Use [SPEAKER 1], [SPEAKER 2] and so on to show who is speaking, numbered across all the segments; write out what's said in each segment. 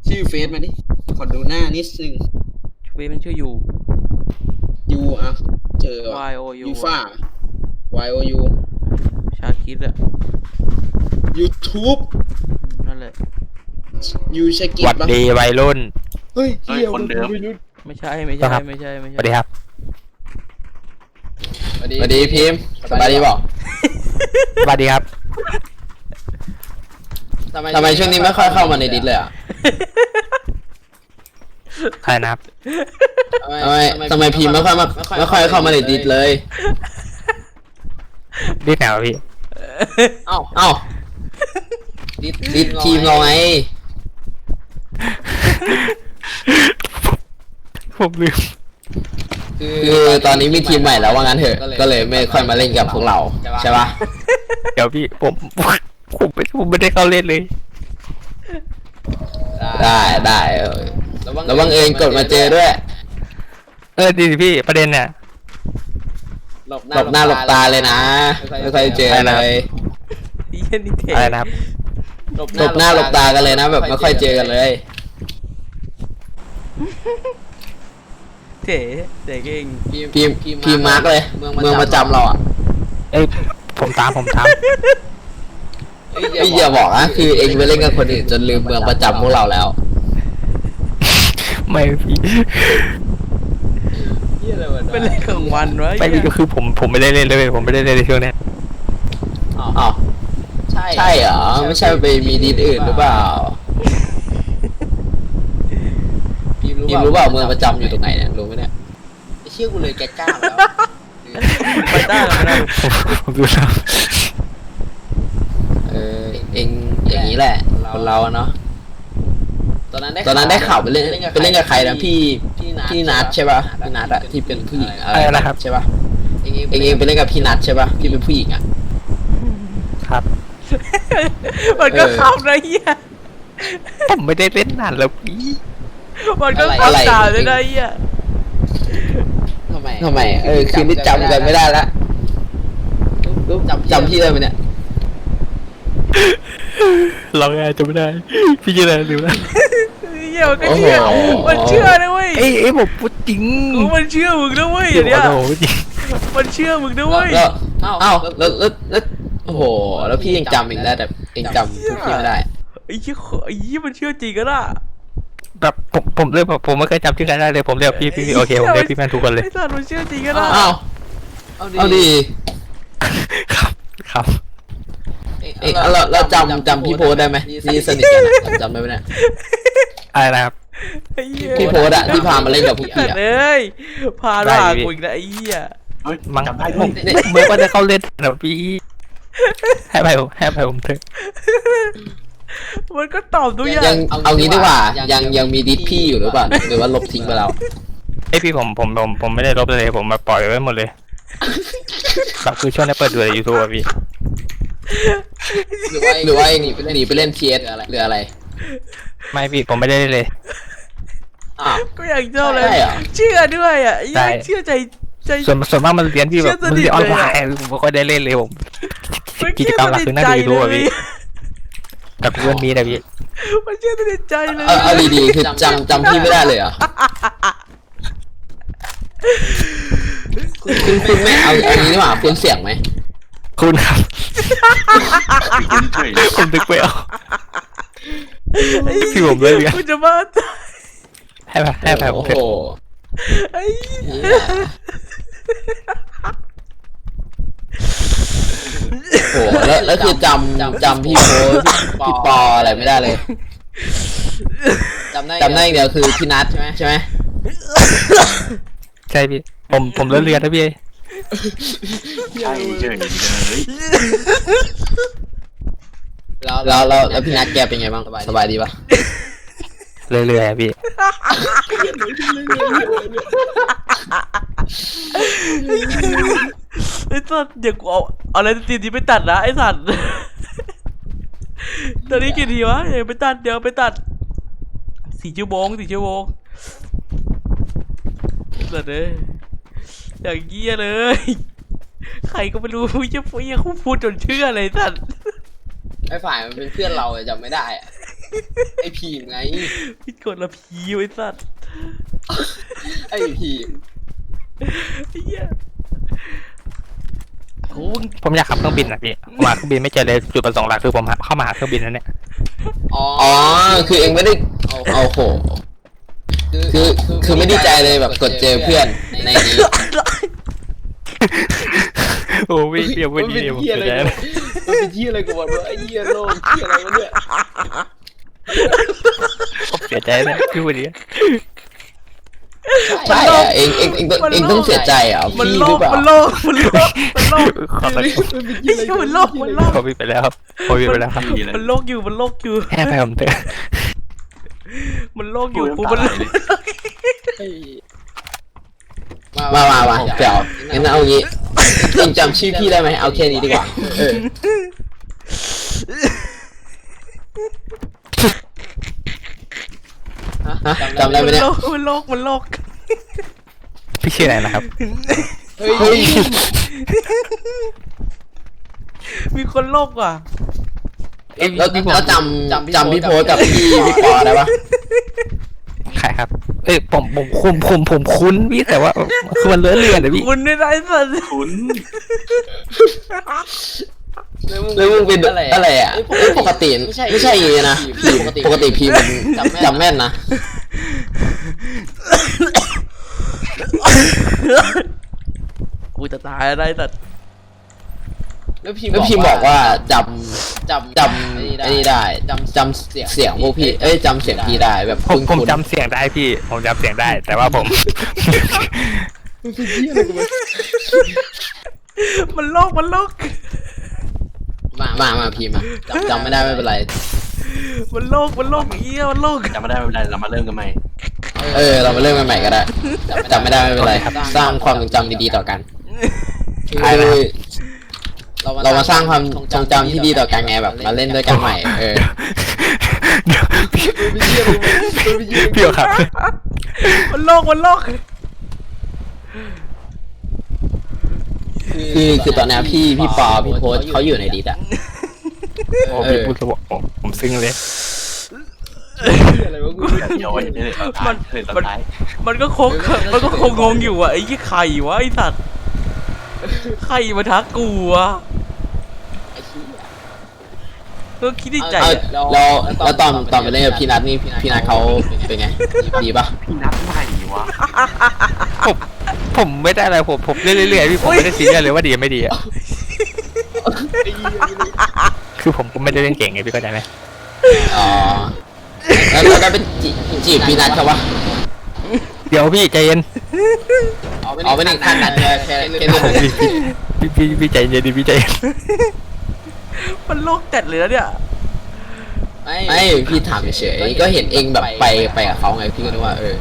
[SPEAKER 1] ชื่อเฟซมาดิขอดูหน้านิดนึง
[SPEAKER 2] เฟซมันชื่อยู
[SPEAKER 1] อ่ะเจอ
[SPEAKER 2] Y O U
[SPEAKER 1] ยูฟ่า Y O U
[SPEAKER 2] ชาคิดอะ
[SPEAKER 1] YouTube
[SPEAKER 2] นั่นแหละ
[SPEAKER 1] ยูชากิ
[SPEAKER 3] หวัดดีวัยรุ่น
[SPEAKER 1] เฮ้ย
[SPEAKER 4] คนเดิม
[SPEAKER 2] ไม่ใช่
[SPEAKER 3] ครับ
[SPEAKER 2] ไม่ใช่
[SPEAKER 3] สวัสดีครับ
[SPEAKER 1] สวัสดีพิมพ์สบายดีบอก
[SPEAKER 3] สวัสดีครับ
[SPEAKER 1] ทำไมช่วงนี้ไม่ค่อยเข้ามาในดิสเลยอ่ะ
[SPEAKER 3] ใครนะครับ
[SPEAKER 1] ทำไมพิมพ์ไม่ค่อยเข้ามาในดิสเลย
[SPEAKER 3] ดิสแนวพี่
[SPEAKER 1] เอ้าดิสทีมเราไง
[SPEAKER 3] ผมลืม
[SPEAKER 1] คือตอนนี้มีทีมใหม่แล้วว่างั้นเถอะก็เลยไม่ค่อยมาเล่นกับพวกเราใช่ปะ
[SPEAKER 3] เดี๋ยวพี่ผมไม่ได้เข้าเล่นเลย
[SPEAKER 1] ได้แล้วบังเอิญกดมาเจอด้วย
[SPEAKER 3] ดีสิพี่ประเด็นเนี่ย
[SPEAKER 1] หลบหน้าหลบตาเลยนะไม่ค่อยเจอเลย
[SPEAKER 2] เหี้ยนี่เท่
[SPEAKER 3] อะไรนะครับ
[SPEAKER 1] หลบหน้าหลบตากันเลยนะแบบไม่ค่อยเจอกันเลย
[SPEAKER 2] เท่เก่ง
[SPEAKER 1] พิมพ์มาร์กเลยเมืองประจำเราอ่ะ
[SPEAKER 3] เอ้ยผมตาม
[SPEAKER 1] อย่าบอกนะคือเองไปเล่นกับคนอื่นจนลืมเมืองประจำพวกเราแล้ว
[SPEAKER 3] ไม่พี่
[SPEAKER 2] เป็นเรื่องของวันวะ
[SPEAKER 3] ไม่พี่ก็คือผมไม่ได้เล่นเลยผมไม่ได้เล่นในช่วงนี้
[SPEAKER 1] อ้าวใช่เหรอไม่ใช่ไปมีดีอื่นหรือเปล่าพิมรู้เปล่าเมืองประจำอยู่ตรงไหนเนี่ยรู้ไหมเนี่ยเชื่อกูเลยแกกล้าแล้ว
[SPEAKER 2] ไปได้แล้วนะ
[SPEAKER 3] ผมดูแล้ว
[SPEAKER 1] เองอย่างนี้แหละคนเราเนาะตอนนั้นได้ข่าวไปเล่นกับใครนะพี่นัทใช่ป่ะพี่นัทอะที่เป็นผู้หญิงอะไรนะครับใช่ป่ะเองไปเล่นกับพี่นัทใช่ป่ะที่เป็นผู้หญิงอะ
[SPEAKER 3] ครับ
[SPEAKER 2] มันก็เข้านะเหี้ย
[SPEAKER 3] ผมไม่ได้เล่นนานแล้วพี่
[SPEAKER 2] มันก็เข้าตาเลยนะเหี้ย
[SPEAKER 1] ทำไมคืนนี้จำกันไม่ได้ละจำพี่ได้ไหมเนี่ย
[SPEAKER 3] เราไงจะไม่ได้พี่จะได้หรือไม่
[SPEAKER 2] เหี้ยมันก็เชื่อมันเชื่อนะเว้ย
[SPEAKER 3] เอ้ยผมพูดจริง
[SPEAKER 2] มันเชื่อมึงนะเว้ยอย่างเนี้ย
[SPEAKER 3] โอ้โหจริง
[SPEAKER 2] มันเชื่อมึงนะเว้ย
[SPEAKER 1] แล้วโอ้โหแล้วพี่ยังจำเองได้แต่เองจำพวกพี่ไม่ได้
[SPEAKER 2] ไอ้เหี้ยมันเชื่อจริงกันอ่ะ
[SPEAKER 3] แบบผมเรียกแบบผมไม่เคยจำชื่อใครได้เลยผมเรียกพี่โอเคผมเรียกพี่แมนทุกคนเลย
[SPEAKER 2] ไอ้สัตว์มันเชื่อจริงกันอ่ะ
[SPEAKER 1] เอาดี
[SPEAKER 3] ครับ
[SPEAKER 1] เราจำพี่โพสได้ไหมนี่สนิทกันจำได้ไหมเนี่ย
[SPEAKER 3] อะไรนะครับ
[SPEAKER 2] ไอ้เหี้ย
[SPEAKER 1] พี่โพสอะที่พามาเล่นกับพวกพี่
[SPEAKER 2] สัต
[SPEAKER 1] อะ
[SPEAKER 2] ว์เอ้ยพาด่ากูอีกนะไอ้เหี้ย
[SPEAKER 4] เฮ้ย
[SPEAKER 3] มั้ง
[SPEAKER 4] จำได้
[SPEAKER 3] ผมไม่ว่าจะเข้าเล่นนะพี่ให้ไปผมเถอะ
[SPEAKER 2] มันก็ตอบทุกอย่าง
[SPEAKER 1] ยังเอางี้ดีกว่ายังมีดิสพี่อยู่หรือเปล่าหรือว่าลบทิ้งไปแล้ว
[SPEAKER 3] ไอพี่ผมไม่ได้ลบเลยผมมาปล่อยไว้หมดเลยแบบคือช่วงนี้เปิดดูใน YouTube อะพี่
[SPEAKER 1] หรือว่าหนีไปเล่น PS หรืออะไร
[SPEAKER 3] ไม่พี่ผมไม่ได้เล่นเลย
[SPEAKER 1] อ้าว
[SPEAKER 2] ก็อย่างเจ้าเลย
[SPEAKER 1] ใช่เหรอ
[SPEAKER 2] เชื่อด้วยอ่ะไอ้เหี้ยเชื่อใจ
[SPEAKER 3] ส่วนมากมันเรียนพี่แบบมันเรียนออนไลน์ผมไม่ค่อยได้เล่นเลยผมกิจกรรมหลักคือหน้าดู YouTube อะพี่แต่เพื่อนมีนะพี่
[SPEAKER 2] มันเชื่อสนิทใจเลย
[SPEAKER 1] เอาดีๆคือจำพี่ไม่ได้เลยเหรอคุณไม่เอางี้ดีกว่าคุณเสียงไหม
[SPEAKER 3] คุณครับ
[SPEAKER 4] เฉย
[SPEAKER 3] ผมนึกไม่ออกที่ผมเล่นเนี่ย
[SPEAKER 2] กูจะบ้าตาย
[SPEAKER 3] ให้ไปผมเถ
[SPEAKER 1] โอ้
[SPEAKER 3] อะ
[SPEAKER 1] โห
[SPEAKER 2] ไอ้เหี้ย
[SPEAKER 1] โอ้โหแล้วคือจำพี่โพสพี่ปออะไรไม่ได้เลยจำได้อย่างเดียวคือพี่นัทใช่ไหม
[SPEAKER 3] ใช่พี่ผมเลิกเรียนนะพี่
[SPEAKER 4] ใช่เฉยเลย
[SPEAKER 1] แล้วพี่นัทแกเป็นไงบ้างสบายดีปะ
[SPEAKER 3] เรื่อยๆอะพี่
[SPEAKER 2] ไอ้สัตว์เดี๋ยวกูเอาอะไรตีนี้ไปตัดนะไอ้สัตว์ตอนนี้กี่ทีวะเดี๋ยวไปตัด4 ชั่วโมงสัตว์เลยอย่างเงี้ยเลย ใครก็ไม่รู้จะพูดจนเชื่อเลยสัตว์
[SPEAKER 1] ไอ้ฝ่ายมันเป็นเพื่อนเราจำไม่ได้อะไอพีมไง
[SPEAKER 2] พี่กดละพีไอ้สัตว์
[SPEAKER 1] ไอพีม
[SPEAKER 2] ไอ้เหี้ยโอ้ย
[SPEAKER 3] ผมอยากขับเครื่องบินนะพี่ผมหาเครื่องบินไม่เจอเลยจุดประสงค์หลักคือผมเข้ามาหาเครื่องบินนั่นเนี่ย
[SPEAKER 1] อ๋อคือเองไม่ได้เอาโหคือไม่ดีใจเลยแบบกดเจอเพื่อนในนี้
[SPEAKER 3] โอ้พี่เดี๋ยววันนี้ผมจะได้
[SPEAKER 1] มันเป็นที่อะไรกูบอกว่าไอ้เหี้ยโลกที่อะไรวะเนี่ย
[SPEAKER 3] ผมเสียใจนะพี่วันนี้
[SPEAKER 1] ใช่อะเองต้องเสียใจอ่ะ
[SPEAKER 2] มัน
[SPEAKER 1] พี่
[SPEAKER 2] โล
[SPEAKER 1] หรื
[SPEAKER 2] ก
[SPEAKER 1] อเปล่า
[SPEAKER 2] มันโลกมันโลกมันโลก
[SPEAKER 3] ขอโทษ
[SPEAKER 2] ไอ้เหี้ยมันโลกมันโลก
[SPEAKER 3] ผมไปแล้วครับผมไปแล้วครับ
[SPEAKER 2] มันโลกอยู่มันโลกอยู่
[SPEAKER 3] แค่ไปผมเถอะ
[SPEAKER 2] มันโลกอยู่กูมันโลก
[SPEAKER 1] มาเดี๋ยวงั้นเอางี้เองจำชื่อพี่ได้ไหมเอาแค่นี้ดีกว่าจำได้ไหมเนี่ย
[SPEAKER 2] มันโลกมันโลก
[SPEAKER 3] พี่ชื่ออะไรนะครับ
[SPEAKER 1] เฮ้ย
[SPEAKER 2] มีคนโลกว่ะ
[SPEAKER 1] แล้วจำพี่โพสกับพี่ปอได้ปะ
[SPEAKER 3] ใครครับเอ้ยผมคุ้นพี่แต่ว่าคือมันเลื่อนนะพี่
[SPEAKER 2] คุณไม่ได้สัตว์
[SPEAKER 4] คุณ
[SPEAKER 1] แล้วมึงเป็นอะไรอ่ะปกติไม่ใช่อย่างนี้นะปกติพี่มันจำแม่นนะ
[SPEAKER 2] กูจะตายอะไรสัตว์
[SPEAKER 1] แล้วพี่บอกว่าจำไอ้นี่ได้จำเสียงพวกพี่จำเสียงพี่ได้แบบ
[SPEAKER 3] ผมจำเสียงได้พี่ผมจำเสียงได้แต่ว่าผม
[SPEAKER 2] มันโลกมันโลก
[SPEAKER 1] มาพี่มาจำไม่ได้ไม่เป็นไร
[SPEAKER 2] มันโลกมันโลกเอี้ยมันโลก
[SPEAKER 4] จำไม่ได้ไม่เป็นไรเรามาเริ่มกันใหม่
[SPEAKER 1] เรามาเริ่มกันใหม่ก็ได้จำไม่ได้ไม่เป็นไรสร้างความทรงจำดีๆต่อกันคือเรามาสร้างความทรงจำที่ดีต่อกันไงแบบมาเล่นด้วยกันใหม่
[SPEAKER 3] พี่ครับ
[SPEAKER 2] มันโลกมันโลก
[SPEAKER 1] คือตอนนี้พี่ปอพี่โพสเขาอยู่ในดิสอะ
[SPEAKER 3] โอ้พี่พูดสวะผมซึ้งเลย
[SPEAKER 4] เดี๋ยวไว้เดี๋ยวตอนท้าย
[SPEAKER 2] มันก็คงงงอยู่อ่ะไอ้ยี่ไข่วะไอ้สัตว์ไข่มาทักกูอ่ะก็คิดในใจ
[SPEAKER 1] แล้วตอนไปเล่นกับพี่นัทนี่พี่นัทเขาเป็นไงดีปะ
[SPEAKER 4] พี่นัดใหม่วะ
[SPEAKER 3] ผมไม่ได้อะไรผมเรื่อยๆพี่ผมไม่ได้ซีเรียสเลยว่าดีไม่ดีอ่ะคือผมก็ไม่ได้เล่นเก่งไงพี่เข้าใจไหม
[SPEAKER 1] อ๋อแล้วก็เป็นจีบพี่นัทเขาปะ
[SPEAKER 3] เดี๋ยวพี่ใจเย็น
[SPEAKER 1] อ๋อไม่ได้ขั้นนั้นแค่เล่น
[SPEAKER 3] พี่ใจเย็นดิพี่ใจเย็น
[SPEAKER 2] มันโลกจัดเลยนะเนี่ย
[SPEAKER 1] ไม่พี่ถามเฉยๆก็เห็นเองแบบไปกับเขาไงพี่ก็นึกว่า
[SPEAKER 4] เฮ้ย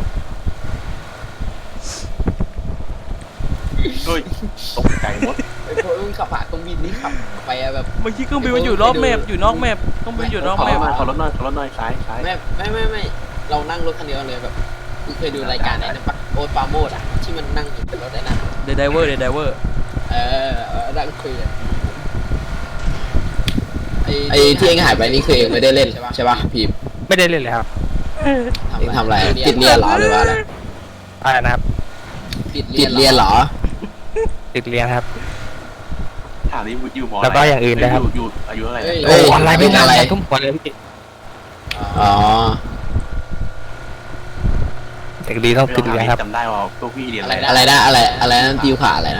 [SPEAKER 4] ตกใจหมด
[SPEAKER 1] ไอ้พวกมึงขับผ่านเครื่องบินนี่ขับไปแบบ
[SPEAKER 2] เมื่อกี้เครื่องบินมันอยู่รอบแมพอยู่นอกแมพเครื่องบินอยู่นอกแมพ
[SPEAKER 4] ขอรถหน่อยซ้าย
[SPEAKER 1] ไม่เรานั่งรถคันเดียวเลยแบบเคยดูรายการไหนนะปะโอ๊ตปาโมดอ่ะที่มันนั่งอยู่บนรถได้นะ
[SPEAKER 2] เดดไดเวอร์
[SPEAKER 1] นั่งคุยเลยไอ้ที่เองหายไปนี่คือเองไม่ได้เล่นใช่ปะพีม
[SPEAKER 3] ไม่ได้เล่นเลยครับ
[SPEAKER 1] เองทำอะไรติดเรียนเหรอหรือว่าอะไร
[SPEAKER 3] อะไรนะครับ
[SPEAKER 1] ติดเรียนเหรอ
[SPEAKER 3] ติดเรียนครับ
[SPEAKER 4] ถามนี่อยู่มอ
[SPEAKER 3] แล้วก็อย่างอื่นนะครับ
[SPEAKER 4] อยู่อายุอะไร
[SPEAKER 3] โอ้อะไรไม่นานอะไรทุ่มหัวเลยพี่
[SPEAKER 1] อ๋อ
[SPEAKER 3] เด็กดีต้องติดเรียนครับ
[SPEAKER 4] จำได้ว่าพวกพี่เรียนอะไร
[SPEAKER 1] อะไรนะอะไรนั่นติวขาอะไรนะ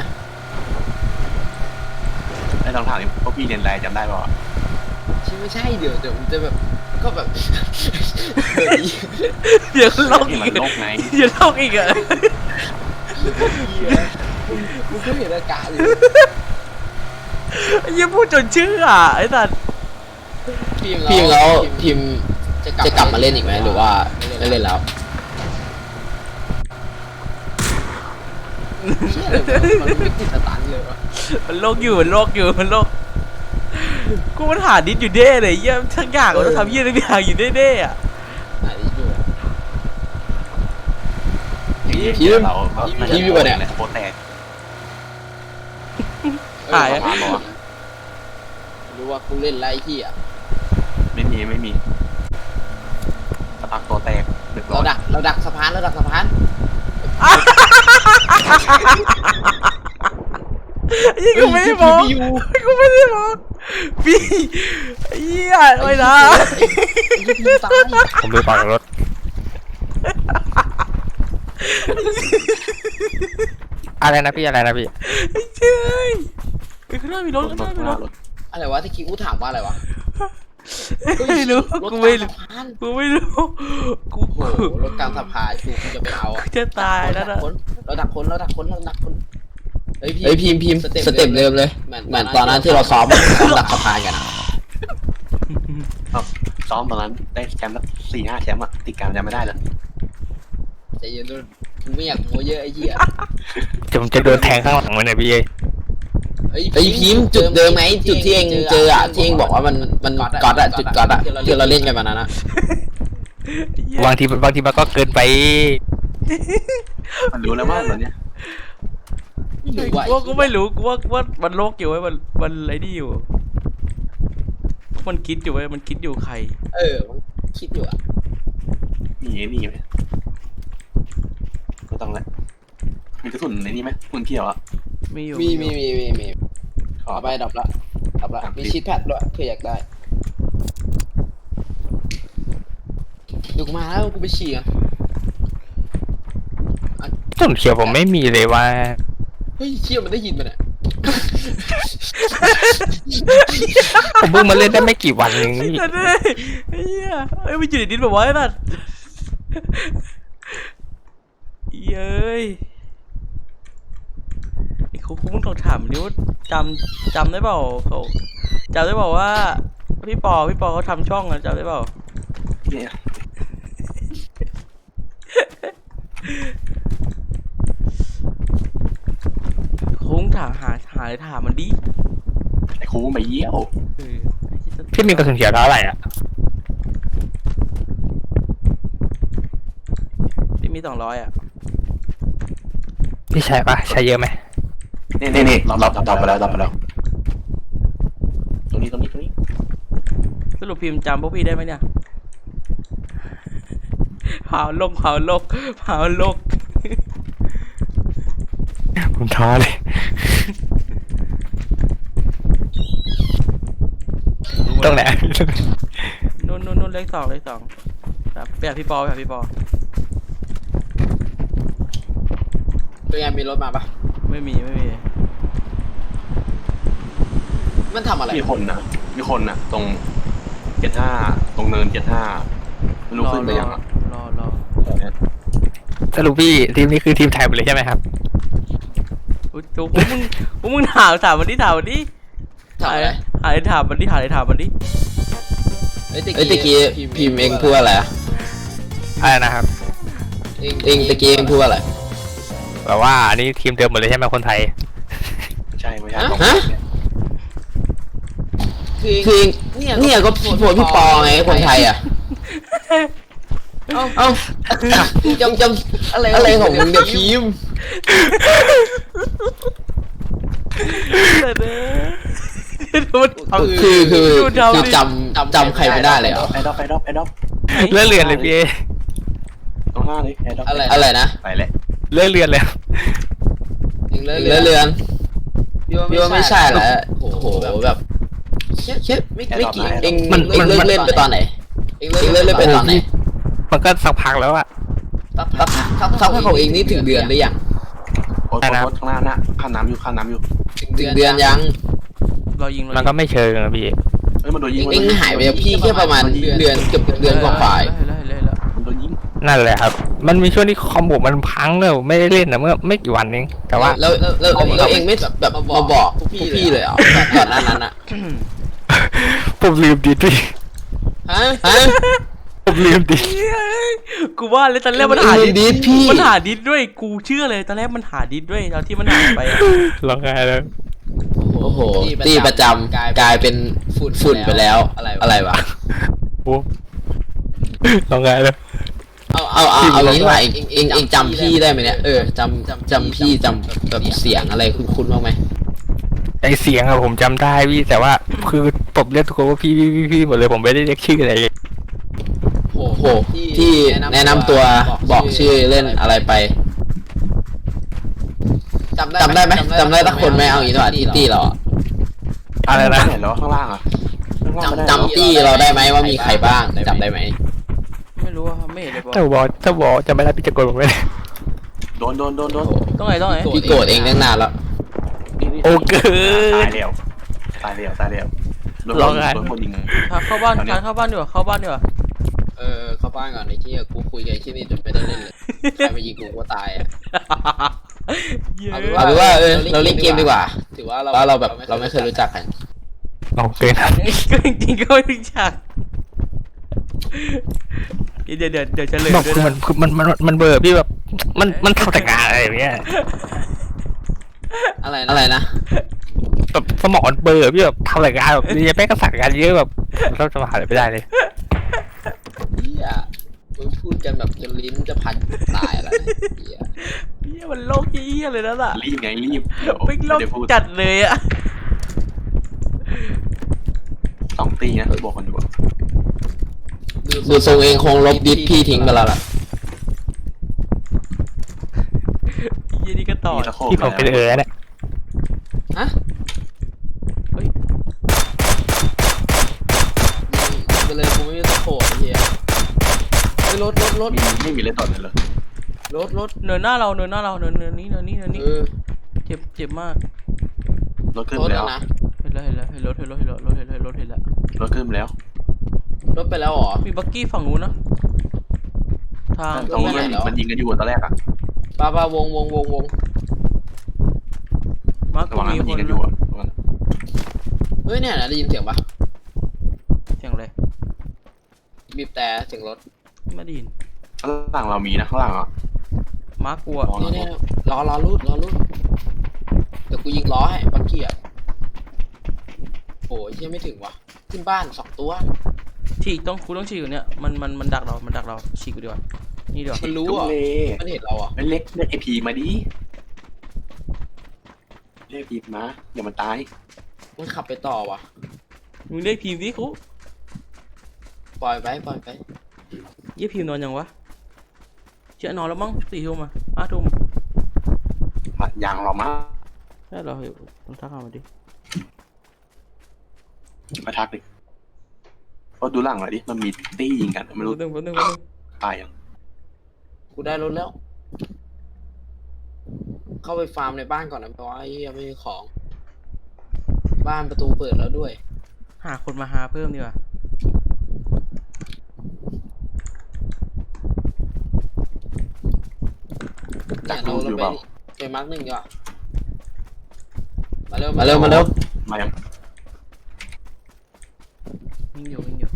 [SPEAKER 4] ไอ้ลองถามนี่พวกพี่เรียนอะไรจำได้ป่ะ
[SPEAKER 1] ไม่ใช่เดี๋ยวมันจะแบบก็แบบ
[SPEAKER 2] เดี๋ยวโลก
[SPEAKER 4] ที่
[SPEAKER 2] อี
[SPEAKER 4] มัน
[SPEAKER 2] ก
[SPEAKER 4] โลกไง
[SPEAKER 2] เดี๋ยวโลกอีกอ่ะ
[SPEAKER 1] มึงก็เห็นอากาศเลย
[SPEAKER 2] ยังพูดจนเชื่อไอ้สัตว์
[SPEAKER 1] พิมแล้วพิมจะกลับมาเล่นอีกไหมหรือว่าไม่เล่นแล้วมันไม่ติดสตันเลยวะ
[SPEAKER 2] มันโลกอยู่มันโลกกูมันหาดิสอยู่เด้เลยเยี่ยมทั้งอย่างเราทำเยี่ยทุกอย่างอยู่เด้ๆอ่ะ
[SPEAKER 4] เราโคตรแตก
[SPEAKER 2] หาย
[SPEAKER 1] รู้ว่ากูเล่นไรที่อ่ะ
[SPEAKER 4] ไม่มีพักตัวแตกเดือดร้
[SPEAKER 1] เรา
[SPEAKER 4] อน
[SPEAKER 1] ดักสะพาน
[SPEAKER 2] ยี่กูไม่ได้มอง
[SPEAKER 1] อยู่
[SPEAKER 2] กูไม่ได้มองพี่เหี้ยไม่นะ
[SPEAKER 1] ตาย
[SPEAKER 3] ผมไปปากรถอะไรนะพี่อะไรนะพี่
[SPEAKER 2] เจ้ยข้างหน้ามีรถข้างหน้ามีรถ
[SPEAKER 1] อะไรวะที่คิวถามว่าอะไรวะ
[SPEAKER 2] ไม่รู้
[SPEAKER 1] รถ
[SPEAKER 2] กู
[SPEAKER 1] ก
[SPEAKER 2] ไม่
[SPEAKER 1] ลาง
[SPEAKER 2] รู้
[SPEAKER 1] สะพาน
[SPEAKER 2] กูไม่รู้กู
[SPEAKER 1] โอ้โหรถกลางสะพานกูจะไปเอาอะ
[SPEAKER 2] จะตายแล้วนะ
[SPEAKER 1] เราดักคนเฮ้ยพิมพ์สเต็ปเดิมเลยเหมือนตอนนั้นที่เราซ้อมดักสะพานกันอะ
[SPEAKER 4] ซ้อมตอนนั้นได้แชมป์แล้ว4-5แชมป์อะติดกันจำไม่ได้แล้ว
[SPEAKER 1] ใจเย็นด้วยกูไม่อยากโม้เยอะไอ้เหี้ย
[SPEAKER 3] ผมจะโดนแทงข้างหลังมันนะพี่
[SPEAKER 1] เฮ้ยพิมพ์จุดเดิมไหมจุดที่เองเจออะที่เองบอกว่ามันก๊อตอะจุดก๊อตอะที่เราเล่นกันมานั้นอะ
[SPEAKER 3] บางทีมันก็เกินไป
[SPEAKER 4] มันรู้แล้วว่าตอนเนี้ย
[SPEAKER 2] กูว่ากูไม่รู้กูว่ามันโลกอยู่ไว้มันไอ้นี่อยู่มันคิดอยู่ไว้มันคิดอยู่ใคร
[SPEAKER 1] มันคิดอยู่อะ
[SPEAKER 4] มีไอ้นี่ไหมก็ต้องแหละมีกระสุนในนี่ไหมคุณเกี่ยวอะ
[SPEAKER 2] มีอยู่
[SPEAKER 1] มี
[SPEAKER 4] ขอ
[SPEAKER 1] เอาไปดับละมีชีทแพดด้วยเผื่ออยากได้เดี๋ยวกูมาแล้วกูไปฉี่กัน
[SPEAKER 3] ต้นเขียวผมไม่มีเลยว่า
[SPEAKER 1] เฮ้ยเชี่ยมันได้ยินมันอะ
[SPEAKER 3] ผมเพิ่งมาเล่นได้ไม่กี่วันเองนี่
[SPEAKER 2] นั่นเลยเฮียเอ้ยมันอยู่ในดินแบบว่าไอ้นั่นเย้ยไอ้เขามึงต้องถามดิว่าจำได้เปล่าเขาจำได้เปล่าว่าพี่ปอเขาทำช่องอะจำได้เปล่า
[SPEAKER 4] เนี่ย
[SPEAKER 2] คุ้งถามหาเลยถามมันดิ
[SPEAKER 4] ไอ้ครูไปเยี่ยว
[SPEAKER 2] เออ
[SPEAKER 3] พี่มีกระสุนเขียวเท่าไหร่อ่ะ
[SPEAKER 2] พี่มี200อ่ะ
[SPEAKER 3] พี่ใช้ปะใช้เยอะไหม
[SPEAKER 4] นี่เราไปแล้วตรงนี้
[SPEAKER 2] สรุปพิมพ์จำพวกพี่ได้ไหมเนี่ยเผาโลก
[SPEAKER 3] ผมท้อเลยตรงไหน
[SPEAKER 2] นู่นเลขสองครับไปหาพี่ปอ
[SPEAKER 1] ตัวยังมีรถมาปะ
[SPEAKER 2] ไม่มี
[SPEAKER 1] มันทำอะไร
[SPEAKER 4] มีคนนะตรง75ตรงเนิน75ไม่รู้ขึ้นไปยังอะ
[SPEAKER 2] รอ
[SPEAKER 3] สรุปพี่ทีมนี้คือทีมไทยหมดเลยใช่ไหมครับ
[SPEAKER 2] อุ๊ยพวกมึงถามมันดิ
[SPEAKER 1] ทำอะไร
[SPEAKER 2] หาอะไรถามมันดิ
[SPEAKER 1] เฮ้ยตะกี้พิมพ์เองพูดอะไรอะ
[SPEAKER 3] อะไรนะครับ
[SPEAKER 1] เองตะกี้เองพูดอะไร
[SPEAKER 3] แบบว่าอันนี้ทีมเดิมหมดเลยใช่ไหมคนไทย
[SPEAKER 4] ไม่ใช่
[SPEAKER 1] ฮะ คือเนี่ยก็โพสพี่ปอไงคนไทยอ่ะ เอ้าจำอะไรของมึงเดี๋ยวพิมพ์ คือจำใครไม่ได้เลยเหรอ
[SPEAKER 4] ไอ้ดอก
[SPEAKER 3] เลื่อนเรือนเลยพี่
[SPEAKER 4] ตรงหน้าเลยไอ้ดอก
[SPEAKER 1] อะไรนะ
[SPEAKER 4] ไปเลย
[SPEAKER 3] เลื่อนเรือนเลย
[SPEAKER 1] เรือนพี่ว่าไม่ใช่แหละโอ้โหแบบแค่ไม่กี่เองเลิกเล่นไปตอนไหนเองเลิกเล่นไปตอนไหน
[SPEAKER 3] มันก็สักพักแล้วอะ
[SPEAKER 1] สักพักของเองนี่ถึงเดือนหรือยัง
[SPEAKER 4] โค้ดข้างหน้านะข้ามน้ำอยู่
[SPEAKER 1] ถึงเดือนยัง
[SPEAKER 2] รอยิง
[SPEAKER 3] มันก็ไม่เชิงนะพี่
[SPEAKER 4] เอ้ยมันโดนยิง
[SPEAKER 1] เองหายไปจากพี่แค่ประมาณเดือนเกือบเดือนกว่า
[SPEAKER 4] มันโดนยิง
[SPEAKER 3] นั่นแหละครับ มันมีช่วงที่คอมโบมันพังเลยไม่ได้เล่นนะเมื่อไม่กี่วันเองแต่ว่า
[SPEAKER 1] แล้วเองไม่แบบมาบอกพวกพี่เลยเหรอก่อนหน้านั้นอ่ะ
[SPEAKER 3] ผมลืมดิพี่
[SPEAKER 1] ฮะ
[SPEAKER 3] ผมลืมดิ
[SPEAKER 2] กูว่าเลยตอนแรกมันหาดิสพี่มันหาดิสด้วยกูเชื่อเลยตอนแรกมันหาดิสด้วยตอนที่มันหายไปอะ
[SPEAKER 3] ร้องไห้แล้ว
[SPEAKER 1] โอ้โหตีประจำกลายเป็นฝุ่นไปแล้วอะไรวะ
[SPEAKER 3] โอ้ร้องไห้แล้ว
[SPEAKER 1] เอางี้ดีกว่าเองจำพี่ได้ไหมเนี่ยจำพี่จำแบบเสียงอะไรคุ้นๆบ้างไหม
[SPEAKER 3] ไอเสียงอะผมจำได้พี่แต่ว่าคือผมเรียกทุกคนว่าพี่หมดเลยผมไม่ได้เรียกชื่ออะไร
[SPEAKER 1] โอ้โหหที่แนะนำตัวบอกชื่อเล่นอะไรไปจำได้ไหมจำได้สักคนไหมเอาอย่างนี้ดีกว่าที่ตี้เราอะ
[SPEAKER 3] อะไรนะ
[SPEAKER 4] เห็นแล้วข้างล่างอ่ะ
[SPEAKER 1] จำตี้เราได้ไหมว่ามีใครบ้างจำได้ไหม
[SPEAKER 2] ไม่รู้ว่าไม่เห็นเลยบอ
[SPEAKER 3] ถ้าบอกจะไม่ได้พี่จะโกนผมไม่ได้
[SPEAKER 4] โดน
[SPEAKER 2] ต้องไหนต้องไหน
[SPEAKER 1] พี่โกรธเองตั้งนานแล้ว
[SPEAKER 3] โอ้เกิน
[SPEAKER 4] ตายแล้วโดนคนยิง
[SPEAKER 2] เข้าบ้านการเข้าบ้านดีกว่าเข้าบ้านดีกว่า
[SPEAKER 1] เข้าบ้านก่อนในที่กูคุยกับไอ้ที่นี่จนไม่ได้เล่นเลยใครมายิงกูก็ตายอ่ะ เอาเป็นว่าเราเล่นเกมดีกว่าถือว่าเราแบบเราไม่เคยรู้จักกัน
[SPEAKER 3] เอาเกิน
[SPEAKER 2] ก็จริงๆก็ไม่รู้จักเดี๋ยวเฉลย
[SPEAKER 3] บอก
[SPEAKER 2] ด้วย
[SPEAKER 3] คือ
[SPEAKER 2] นะ
[SPEAKER 3] มันเบอร์พี่แบบมันทำแต่งานอะไรอย่างเงี้ย
[SPEAKER 1] อะไรนะ
[SPEAKER 3] แบบสมองมันเบอร์พี่แบบทำแต่งานแบบนี่แม่งก็สั่งงานเยอะแบบเราจะมาหาอะไรไม่ได้เลย
[SPEAKER 1] เฮียมึงพูดกันแบบจนลิ้นจะพันตายแล้วเฮีย
[SPEAKER 2] เหี้ยมันโลกเหี้ยเลยนะล่ะ
[SPEAKER 4] รีบ
[SPEAKER 2] ไม่โลก
[SPEAKER 4] เดี๋ยวพูด
[SPEAKER 2] จัดเลยอะ
[SPEAKER 4] 2 ตีนะบอกกันดู
[SPEAKER 1] ดูทรงเองคงลบดิสพี่ทิ้งไปแล้วล่ะ
[SPEAKER 2] เหี้ยนี่ก็ต่อ
[SPEAKER 4] มีตะโขบ
[SPEAKER 3] ที่ผมเป็นเนี่ย
[SPEAKER 1] ฮะ
[SPEAKER 2] เฮ้ย
[SPEAKER 1] ไปเลยกูไม่มีตะโขบเฮียไอ้รถ
[SPEAKER 4] ไม่มีเล่นต่อเลยเหรอ
[SPEAKER 1] รถ
[SPEAKER 2] เนินหน้าเราเนินนี้เจ็บมาก
[SPEAKER 4] รถขึ้น
[SPEAKER 1] รถ
[SPEAKER 4] แล้ว
[SPEAKER 1] นะ
[SPEAKER 2] เห็นแล้วรถ
[SPEAKER 4] ร
[SPEAKER 2] แล้ว
[SPEAKER 4] ถขึ้นแล้ว
[SPEAKER 1] รถไปแล้วเหรอ
[SPEAKER 2] มีบักกี้ฝั่งนู้นนะทาง
[SPEAKER 4] ตรงนี้มันยิงกันอยู่ตอนแรกอ่ะ
[SPEAKER 1] ป้าวง
[SPEAKER 2] มาร์ค
[SPEAKER 4] ระหว่างนั้น
[SPEAKER 2] มี
[SPEAKER 4] มัน
[SPEAKER 2] ค
[SPEAKER 4] ยิง
[SPEAKER 2] น
[SPEAKER 4] กันอยู่อ่ะ
[SPEAKER 1] เฮ้ยเนี่ยนะได้ยินเสียงปะ
[SPEAKER 2] เสียงอะไร
[SPEAKER 1] บีบแต่เสียงรถ
[SPEAKER 2] ไม่ได้ยิน
[SPEAKER 4] ข้างล่างเรามีนะข้างล่างอ่ะ
[SPEAKER 2] มาร์คกลัว
[SPEAKER 1] นี่รอรูดเดี๋ยวกูยิงล้อให้บักกี้อ่ะโอ้ยยังไม่ถึงว่ะขึ้นบ้าน2 ตัว
[SPEAKER 2] ฉีกต้องฉีกอยู่เนี่ยมันดักเราฉีกกูดีกว่านี่ดีกว่า
[SPEAKER 1] มันรู้อ่ะมันเห็นเราอ่ะ
[SPEAKER 4] เล็กเรียกไอพีมาดิเรียกพีมาอย่ามันตาย
[SPEAKER 1] มันขับไปต่อว่ะ
[SPEAKER 2] มึงได้พิมพ์ดิคุ
[SPEAKER 1] ปล่อยไป
[SPEAKER 2] เยี่ยพิมพ์นอนยังวะเชื่อนอนแล้วมั้ง4 ทุ่ม5 ทุ่ม
[SPEAKER 4] อย่างเรามา
[SPEAKER 2] ใช่เหรอมันทักมาดิ
[SPEAKER 4] มาทักดิก็ดูหลังหน่อยดิมันมีตี้ยิงกันไม่รู้
[SPEAKER 2] แป๊บนึง
[SPEAKER 4] ตายยัง
[SPEAKER 1] กูได้รถแล้ว เข้าไปฟาร์มในบ้านก่อนนะเพราะว่าไอ้เหี้ยไม่มีของ บ้านประตูเปิดแล้วด้วย
[SPEAKER 2] หาคนมาหาเพิ่มดีกว่า
[SPEAKER 4] ดัก
[SPEAKER 1] เรา
[SPEAKER 4] ลูกอยู่เปล่า
[SPEAKER 1] ไปมาร์ก1ดีกว่ามาเร็ว
[SPEAKER 4] มายัง
[SPEAKER 2] วิ่งอยู่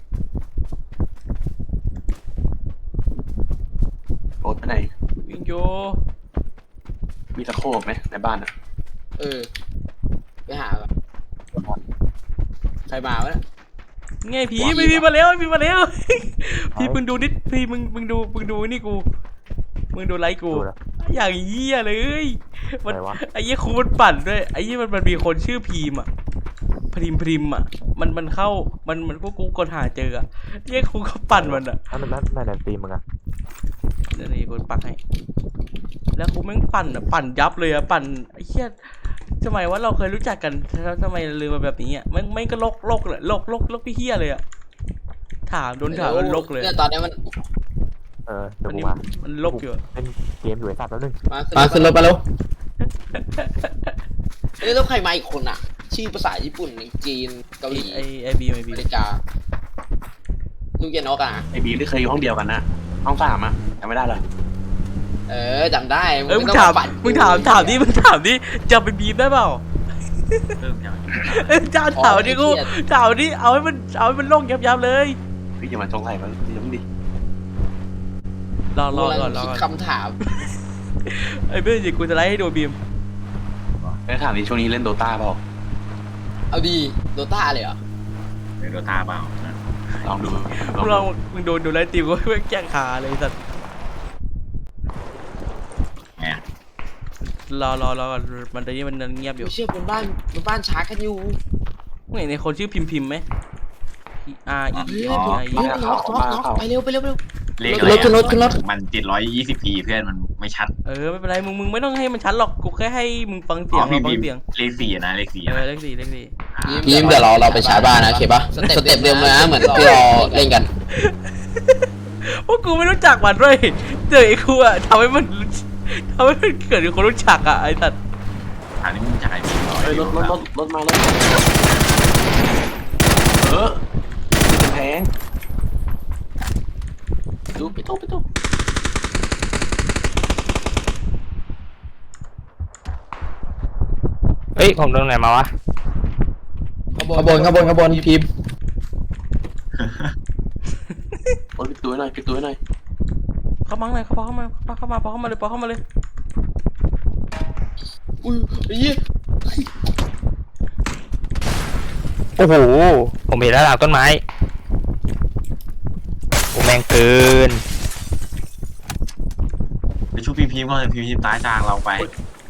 [SPEAKER 4] โอ๊ตไปไหน
[SPEAKER 2] วิ่งอยู่
[SPEAKER 4] มีตะโขบไหมในบ้านอ่ะ
[SPEAKER 1] ไปหาก่อนใครมาวะเนี่ย
[SPEAKER 2] ไงผีไม่มีมาแล้วพี่มึงดูนิดพี่มึงดูนี่กูมึงดูไลค์กูอย่างเหี้ยเลยมันไอ้เหี้ยครูมันปั่นด้วยไอ้เหี้ยมันมีคนชื่อพีมอะพริมอะมันเข้ามันพวกกูกดหาเจออะเหี้ยครูก็ปั่นมันอะ
[SPEAKER 3] นั่นตีมึงอ่ะ
[SPEAKER 2] นี่กูปักให้แล้วครูแม่งปั่นยับเลยอะปั่นไอ้เหี้ยทำไมว่าเราเคยรู้จักกันทำไมลืมมาแบบนี้อะไม่ก็โลกเลยโลกพี่เหี้ยเลยอะถามโดนถามมันโลกเลย
[SPEAKER 1] เนี่ยตอนนี้มัน
[SPEAKER 3] เดี๋ยวกูมา
[SPEAKER 2] มันโลกอยู่
[SPEAKER 3] เป็นเกมอยู่ไอ้สัตว์แล้วนึง
[SPEAKER 1] มาขึ้นรถมาแล้วเอ้ยแล้วใครมาอีกคนอ่ะ ชื่อภาษาญี่ปุ่นจีนเกาหลี
[SPEAKER 2] ไอบี
[SPEAKER 1] อเมริกาลูกเยนกอ่ะ
[SPEAKER 4] ไอบีที่เคยอยู่ห้องเดียวกันนะห้อง3อ่ะจำไม่ได้เลย
[SPEAKER 1] จำได้
[SPEAKER 2] มึงถามดิจะไปบีบได้เปล่าจ้าถามดิกูถามดิเอาให้มันโล่งยับเลย
[SPEAKER 4] พี่อย่ามาจงใส่มันอย่ามึงดิ
[SPEAKER 2] รอ
[SPEAKER 1] คิดคำถาม
[SPEAKER 2] ไอ้เพื่อนจิกูจะไล่ให้ดูบีม
[SPEAKER 4] แล้วถามดิช่วงนี้เล่นโดตาเปล่า
[SPEAKER 1] เอาดีโดต้าเลยเหรอ
[SPEAKER 5] โดตาเปล่า
[SPEAKER 4] ลองดู
[SPEAKER 2] มึงโดนไล่ตีกูไม่แก้ขาเลยสัตว์รอก่อนมันตอนนี้มันเงียบอยู่
[SPEAKER 1] ไม่เชื่อบนบ้านช้ากันอยู่
[SPEAKER 2] มึงเห็นในคนชื่อพิมพ์ไหม R E
[SPEAKER 1] น็อกไปเร็ว
[SPEAKER 5] เลข
[SPEAKER 1] ขึ้นรถขึ้นรถ
[SPEAKER 5] มัน720p เพื่อนมันไม่ชัด
[SPEAKER 2] ไม่เป็นไรมึงไม่ต้องให้มันชัดหรอกกูแค่ให้มึงฟังเสียงเราฟังเสียง
[SPEAKER 5] เลข4นะเลข4นะ
[SPEAKER 2] เลขสี่
[SPEAKER 1] พีมเดี๋ยวเราไปใช้บ้านนะโอเคปะสเต็ปเดิมเลยนะเหมือนที่เราเล่นกัน
[SPEAKER 2] พวกกูไม่รู้จักมันด้วยเจอไอ้กูอะทำให้มันเกิดคนรู้จักอะไอ้สัตว์
[SPEAKER 5] ถามนี่มึงจ่ายดีหน่อย
[SPEAKER 4] เฮ้ยรถมารถแพงดูไปตู้
[SPEAKER 3] เฮ้ยผมโดนไหนมาวะ
[SPEAKER 1] ขบวนพีม
[SPEAKER 4] ปิดตัวหน่อย
[SPEAKER 2] เข้ามาเลยเข้ามาเลย
[SPEAKER 1] อุ้ยไอ้เหี้ย
[SPEAKER 3] โอ้โหผมเห็นแล้วหลังต้นไม้โอ้แม่งเกิน
[SPEAKER 5] ไปชุบพิมพ์ก่อนพิมพ์ตายจางเราไป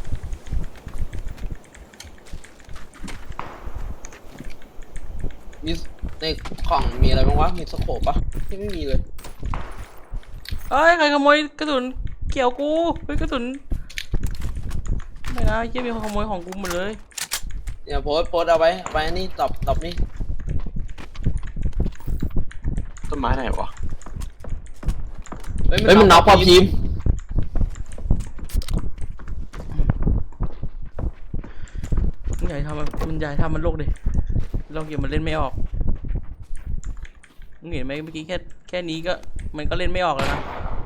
[SPEAKER 1] มีในกล่องมีอะไรบ้างวะมีสโคปปะที่ไม่มีเลย
[SPEAKER 2] เอ้ยใครขโมยกระสุนเกี่ยวกูกระสุนไม่นะเยี่ยมีคนขโมยของกูหมดเลย
[SPEAKER 1] เนี่ยโพสเอาไปนี่ตอบนี่
[SPEAKER 4] ต้นไม้ไหนวะ
[SPEAKER 1] เฮ้ยมันน็อกพอพีม
[SPEAKER 2] มึงใหญ่ทำมันโลกดิโลกเกี่ยวมันเล่นไม่ออกมึงเห็นไหมเมื่อกี้แค่นี้ก็มันก็เล่นไม่ออกแล้วนะ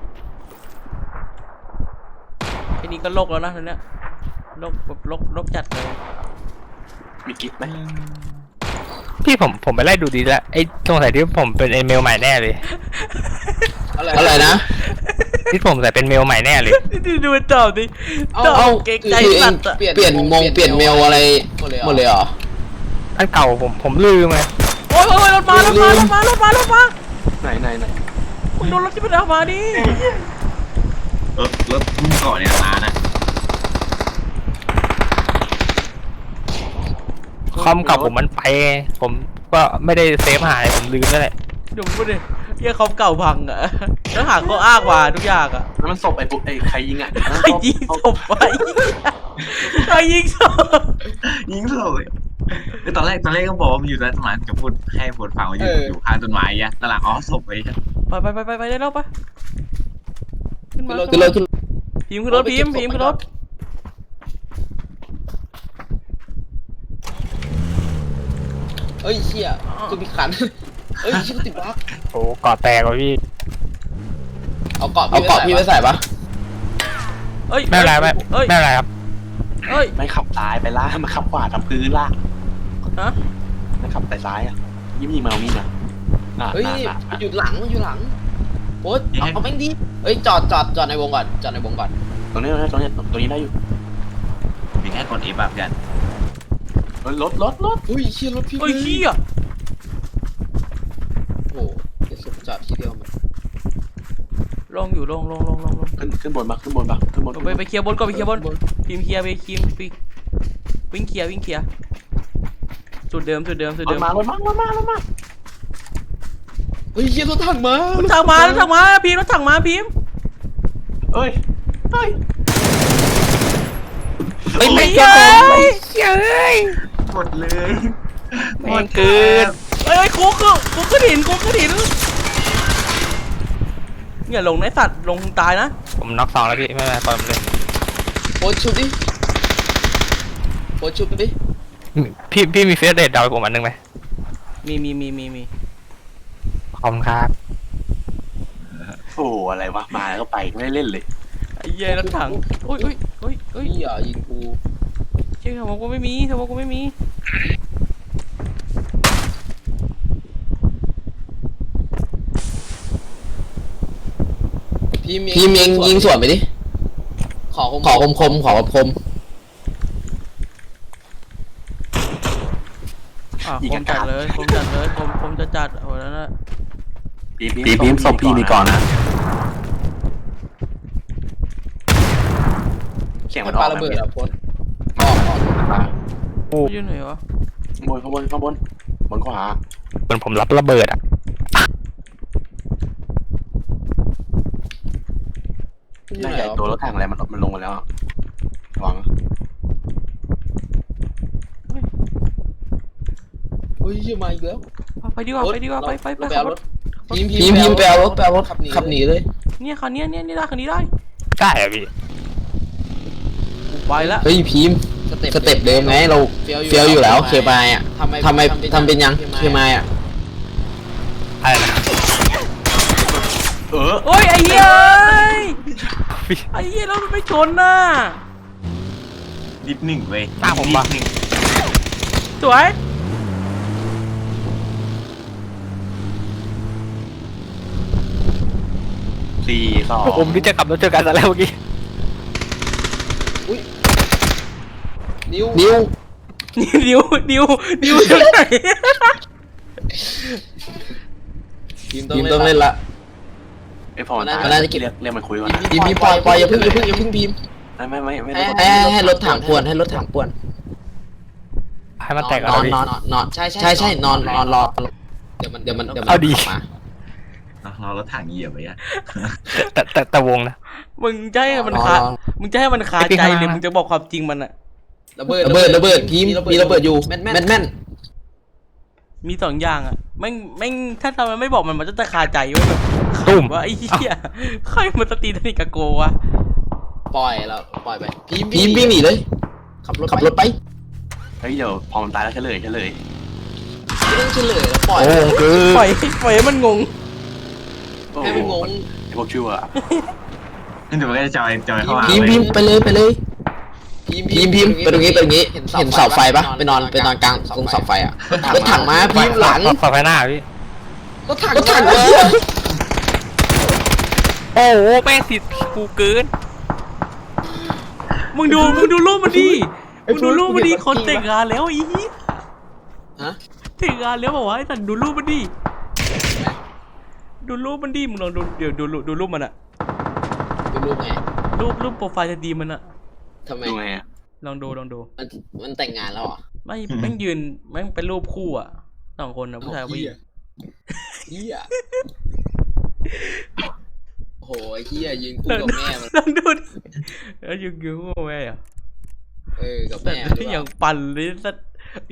[SPEAKER 2] แค่นี้ก็โลกแล้วนะตอนเนี้ยโลกแบบโลกจัดเลย
[SPEAKER 4] มีกิ๊บไหม
[SPEAKER 3] พี่ผมไปไล่ดูดีแล้วไอ้สงสัยที่ผมเป็นไอ้เมลใหม่แน่เลย
[SPEAKER 1] อะไรนะ
[SPEAKER 3] ที่ผมใส่เป็นเมลใหม่แน่เลย
[SPEAKER 2] ดูมันตอบดิตอบเก่งใจสัตว์อะ
[SPEAKER 1] เปลี่ยนเมลอะไรหมดเลยเหรอ
[SPEAKER 3] อันเก่าผมลืมไง
[SPEAKER 2] โอ้ยรถมา
[SPEAKER 4] ไหน
[SPEAKER 2] มึงโดนรถที่มันเอามาดิ
[SPEAKER 5] รถมึงก่อนเนี่ยมานะ
[SPEAKER 3] คอมเก่าผมมันไปผมก็ไม่ได้เซฟหายผมลืมนั่นแหละ
[SPEAKER 2] เดี๋ยวมึงพูดดิเหี้ยเขาเก่าพังอะแล้วหาข้ออ้างมาทุกอย่างอะ
[SPEAKER 4] แล้วมันศพไอ้ใครยิงอ่ะ
[SPEAKER 2] ใครยิงศพไปใครยิงศพ
[SPEAKER 5] ยิงเลยตอนแรกก็บอกว่ามันอยู่ใต้ต้นไม้จะพูดให้พูดฟังว่าอยู่ข้างต้นไม้อ่ะตลาดอ๋อศพไป
[SPEAKER 2] ไปได้แล้วปะขึ้นมา
[SPEAKER 1] ขึ้นรถ
[SPEAKER 2] พิมพ์ขึ้นรถพิมพ์ขึ้นรถ
[SPEAKER 1] เอ้ยเชี่ยคือมีขันเอ้ยชิบติดบั๊ก
[SPEAKER 3] โอ้กอดแตกว่ะพี่
[SPEAKER 1] เอาเกาะพี่ไปใส่ปะ
[SPEAKER 2] เอ้ย
[SPEAKER 3] ไม่เป็นไรไม่เป็นไรครับ
[SPEAKER 2] เอ้ย
[SPEAKER 4] ไม่ขับซ้ายไปล่ามันขับขวาทำพื้นล่า
[SPEAKER 2] ฮะ
[SPEAKER 4] มันขับแต่ซ้ายอ่ะยิ้มมาเอามีดมา
[SPEAKER 1] เฮ้ยอยู่หลังโอ๊ตเอาแม่งดิเอ้ยจอดในวงก่อน
[SPEAKER 4] ตรงนี้ได้อยู่
[SPEAKER 5] มีแค่กด F แบบกัน
[SPEAKER 4] รถ
[SPEAKER 1] อุ้ยเชี่ยรถพี่
[SPEAKER 2] เอ้ยขี้อะ
[SPEAKER 1] โอ้เดี๋ยวจอดทีเดียวมัน
[SPEAKER 2] ลงอยู่ลง
[SPEAKER 4] ขึ้นบนไป
[SPEAKER 2] เคลียร์บนก่อนไปเคลียร์บนพิมพ์เคลียร์ไปวิ่งเคลียร์จุดเดิม
[SPEAKER 4] มารถมา
[SPEAKER 1] เฮ้ยเชี่ยรถถังมาร
[SPEAKER 2] ถถังมาพิมพ์รถถังมาพิมพ์
[SPEAKER 4] เอ้ย
[SPEAKER 3] ไม่เจอ
[SPEAKER 5] หมดเลย
[SPEAKER 3] แม่งเกิน
[SPEAKER 2] เอ้ยคุกขึ้นหินอย่าลงในสัตว์ลงตายนะ
[SPEAKER 3] ผมน็อก2แล้วพี่ไม่เป็นไรปล่อยผมเลย
[SPEAKER 1] โพสชุบดิ
[SPEAKER 3] พี่มีเฟซเดทดาวผมอันนึงไหม
[SPEAKER 2] มี
[SPEAKER 3] ขอบคุณครับ
[SPEAKER 4] โอ้อะไรวะมาแล้วก็ไปไม่ได้เล่นเลย
[SPEAKER 2] ไอ้เหี้ยรถถังโอ้ย
[SPEAKER 1] พี่อย่ายิงกู
[SPEAKER 2] เชื่อผมกูไม่มี
[SPEAKER 1] พี่เมงยิงสวนไปดิขอคม
[SPEAKER 2] คมจัดเลยคมจะจัดโอ้แล้วนะ
[SPEAKER 4] ปีมศพพี่นี่ก่อนนะเสียงมันออก
[SPEAKER 1] ระเบิดอะโพสออก
[SPEAKER 2] อยู่ไหนวะ
[SPEAKER 4] ข้างบนขวา
[SPEAKER 3] เหมือนผมรับระเบิดอ่ะ
[SPEAKER 4] น่าจะตัวรถถังอะไรมันลงมาแล้วหวัง
[SPEAKER 1] เฮ้ยชื่อมาอีกแล้ว
[SPEAKER 2] ไปดีกว่าไปดีกว่าไป
[SPEAKER 1] ไป
[SPEAKER 2] ขั
[SPEAKER 1] เอา
[SPEAKER 2] บ
[SPEAKER 1] ร
[SPEAKER 2] ร
[SPEAKER 1] ถ
[SPEAKER 2] ถ
[SPEAKER 1] พิมพ์ไปเอารถขับหนีเลย
[SPEAKER 2] เนี่ยคันนี้เนี่ยได้คันนี้ได้
[SPEAKER 3] ได้อะพี่
[SPEAKER 2] ไปละ
[SPEAKER 1] เฮ้ยพิมพ์สเต็ปเดิมไงเราเฟี้ยวอยู่แล้วเคมายอ่ะทำไมทำเป็นยังเคมายอ่ะ
[SPEAKER 3] อะไรนะ
[SPEAKER 2] โอ้ยไอ้เหี้ยไอ้เหี้ยเราไม่ชนน่ะ
[SPEAKER 5] นิดหนึ่งเว้ย
[SPEAKER 3] หน้าผมปะ
[SPEAKER 5] นิดหนึ่ง
[SPEAKER 2] สวย
[SPEAKER 4] 4-2
[SPEAKER 3] ผมนี่จะขับรถเจอกันซะแล้วเมื่อกี้
[SPEAKER 1] นิ้ว
[SPEAKER 2] นิ้วอยู่ไหน
[SPEAKER 1] พิมพ์ต้องเล่นละ
[SPEAKER 4] ไอ้พอมัน
[SPEAKER 1] มันน่าจะเก็บ
[SPEAKER 4] เรียกมันคุยก่อนนะ
[SPEAKER 1] พิมพ์ปล่อยอย่าเพิ่งพิมพ์
[SPEAKER 4] ไม่ได้
[SPEAKER 1] ให้รถถังป่วนให้รถถังป่วน
[SPEAKER 3] ให้มันแตก
[SPEAKER 1] น
[SPEAKER 3] อะ
[SPEAKER 1] อน
[SPEAKER 3] พี่
[SPEAKER 1] นอนใช่นอนรอเดี๋ยวมัน
[SPEAKER 3] เอาดี
[SPEAKER 1] มา
[SPEAKER 5] เรารถถังเหยียบไปอ่ะ
[SPEAKER 3] แต่วงนะ
[SPEAKER 2] มึงจะให้มันคามึงจะให้มันคาใจหรือมึงจะบอกความจริงมันอะ
[SPEAKER 1] ระเบิดพิมพ์มีระเบิดอยู่แม่น
[SPEAKER 2] มี2อย่างอะแม่งถ้าทำมันไม่บอกมันจะคาใจว่าแบบ
[SPEAKER 3] ตุ้ม
[SPEAKER 2] ว่าไอ้เหี้ยใครมันสตีนนี่กับโกวะ
[SPEAKER 1] ปล่อยไปพิมพ์วิ่งหนีเลยขับรถไป
[SPEAKER 4] เฮ้ยเดี๋ยวพอมันตายแล้วเฉลย
[SPEAKER 1] ไม่ต้องเฉลยแล้วปล่อย
[SPEAKER 3] โอ้คือ
[SPEAKER 2] ปล่อยให้มันงง
[SPEAKER 1] ให้มันงง
[SPEAKER 4] ไอ้พวกชั่ว
[SPEAKER 5] เดี๋ยวมันก็จะจอยเข้ามา
[SPEAKER 1] พิมพ์ไปเลยพิมพ์ไปตรงนี้เห็นเสาไฟปะไปนอนกลางตรงเสาไฟอ่ะรถถังมาพิมพ์หลัง
[SPEAKER 3] ฝาไฟหน้าพี่
[SPEAKER 1] รถถัง
[SPEAKER 3] โอ้โหแม่งติดกูเกิน
[SPEAKER 2] มึงดูรูปมันดิมึงดูรูปมันดิคนแต่งงานแล้วอี
[SPEAKER 1] ฮะ
[SPEAKER 2] แต่งงานแล้วบอกว่าไอ้สันดูรูปมันดิดูรูปมันดิมึงลองดูเดี๋ยวดูรูปมันอะ
[SPEAKER 1] ดูรูปไง
[SPEAKER 2] รูปโปรไฟล์จะดีมันอะ
[SPEAKER 1] ทำไม
[SPEAKER 4] ดูไงอะ
[SPEAKER 2] ลองดู
[SPEAKER 1] มันแต่งงานแล้วเหรอ
[SPEAKER 2] ไม่แม่งยืนแม่งเป็นรูปคู่อะ2 คนนะผู้ชายผู้หญิง
[SPEAKER 1] เฮียโอ้โหเฮียยืนคู่กับแม่มัน
[SPEAKER 2] ลองดูดิแล้วยืนคู่กับแม่อะ
[SPEAKER 1] กับ
[SPEAKER 2] แต่
[SPEAKER 1] แม่
[SPEAKER 2] ที่อย่างปั่นเลยสัตว์